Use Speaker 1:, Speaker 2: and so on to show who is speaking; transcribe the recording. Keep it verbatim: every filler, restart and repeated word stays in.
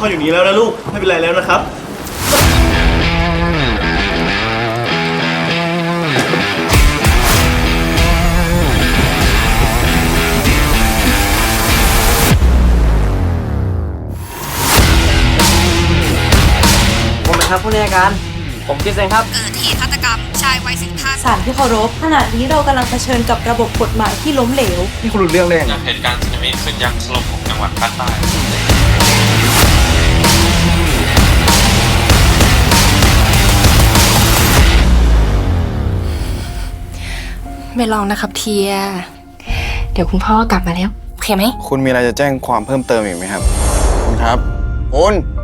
Speaker 1: ลอดอยู่นี้แล้วนะลูกไม่เป็นไรแล้วนะครับ
Speaker 2: ผมเป็นครับผู้ในการผมคิดเองครับ
Speaker 3: เกิดเหตุฆาตกรรมชายวัยสิบห้า
Speaker 4: ศาลที่เคารพขณะนี้เรากำลังเผชิญกับระบบกฎหมายที่ล้มเหลว
Speaker 2: นี่คุณรู้เรื่องเลย
Speaker 5: จากเหตุการณ์สึนามิขึ้นยักษ์ถล่มของจังหวัดภาคใต้
Speaker 3: ไม่ลองนะครับเทีย เดี๋ยวคุณพ่อกลับมาแล้ว โอเคไหม
Speaker 6: คุณมีอะไรจะแจ้งความเพิ่มเติมอีกไหมครับ คุณครับ คุณ